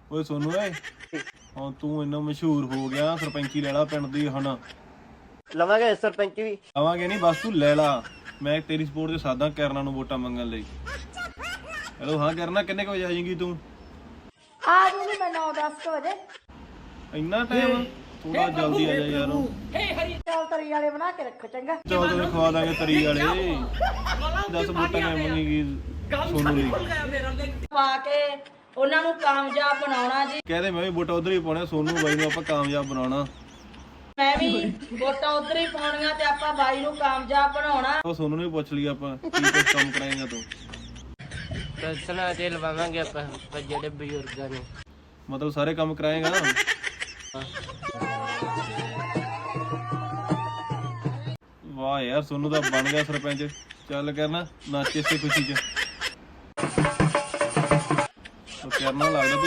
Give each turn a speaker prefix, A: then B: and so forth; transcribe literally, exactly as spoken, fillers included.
A: ਓਏ ਸੋਨੂ ਓਏ ਹੁਣ ਤੂੰ ਇੰਨਾ ਮਸ਼ਹੂਰ ਹੋ ਗਿਆ, ਸਰਪੰਚੀ ਲੈ ਲਾ ਪਿੰਡ ਦੀ ਹੁਣ।
B: ਲਵਾਂਗੇ ਸਰਪੰਚ ਵੀ।
A: ਆਵਾਂਗੇ ਨਹੀਂ, ਬਸ ਤੂੰ ਲੈ ਲਾ। ਮੈਂ ਤੇਰੀ ਸਪੋਰਟ ਤੇ ਸਾਦਾ ਕਰਨਾ ਨੂੰ ਵੋਟਾਂ ਮੰਗਣ ਲਈ। ਹੈਲੋ ਹਾਂ ਕਰਨਾ, ਕਿੰਨੇ ਕੁ ਵਜੇ ਆ ਜਾਏਂਗੀ ਤੂੰ?
C: ਆ ਜੂਗੀ ਮੈਂ ਨੌ ਦਸ ਵਜੇ।
A: ਇੰਨਾ ਟਾਈਮ? ਥੋੜਾ ਜਲਦੀ ਆ ਜਾ ਯਾਰ।
C: ਚੌਲ ਤਰੀ ਵਾਲੇ ਬਣਾ ਕੇ ਰੱਖੋ ਚੰਗਾ।
A: ਚੌਲ ਤੈਨੂੰ ਖਵਾ ਦਾਂਗੇ ਤਰੀ ਵਾਲੇ। ਦਸ ਵੋਟਾਂ ਕਿਵੇਂ ਮੰਗੇਗੀ ਸੋਨੂ ਲਈ?
C: ਪਾ ਕੇ ਉਹਨਾਂ ਨੂੰ ਕਾਮਯਾਬ ਬਣਾਉਣਾ ਜੀ।
A: ਕਹਦੇ ਮੈਂ ਵੀ ਵੋਟਾਂ ਉਧਰ ਹੀ ਪਾਉਣਾ, ਸੋਨੂ ਬਾਈ ਨੂੰ ਆਪਾਂ ਕਾਮਯਾਬ ਬਣਾਉਣਾ।
C: ਮੈਂ ਵੀ ਵੋਟਾਂ ਉਧਰ ਹੀ ਪਾਉਣੀਆਂ ਤੇ ਆਪਾਂ ਬਾਈ ਨੂੰ ਕਾਮਯਾਬ ਬਣਾਉਣਾ।
A: ਉਹ ਸੋਨੂ ਨੂੰ ਵੀ ਪੁੱਛ ਲਈ ਆਪਾਂ ਕੀ ਕੁਝ ਕੰਮ ਕਰਾਏਗਾ ਤੂੰ।
B: ਪੈਨਸ਼ਨਾਂ ਤੇ ਲਵਾਵਾਂਗੇ ਆਪਾਂ ਜਿਹੜੇ ਬਜ਼ੁਰਗਾਂ ਨੂੰ।
A: ਮਤਲਬ ਸਾਰੇ ਕੰਮ ਕਰਾਏਗਾ? ਵਾਹ ਯਾਰ ਸੋਨੂ ਦਾ ਬਣ ਗਿਆ ਸਰਪੰਚ। ਚੱਲ ਕਰਨਾ ਨੱਚ ਇਸੇ ਖੁਸ਼ੀ ਚ। ਉਹ ਕਰਨਾ ਲੱਗਦਾ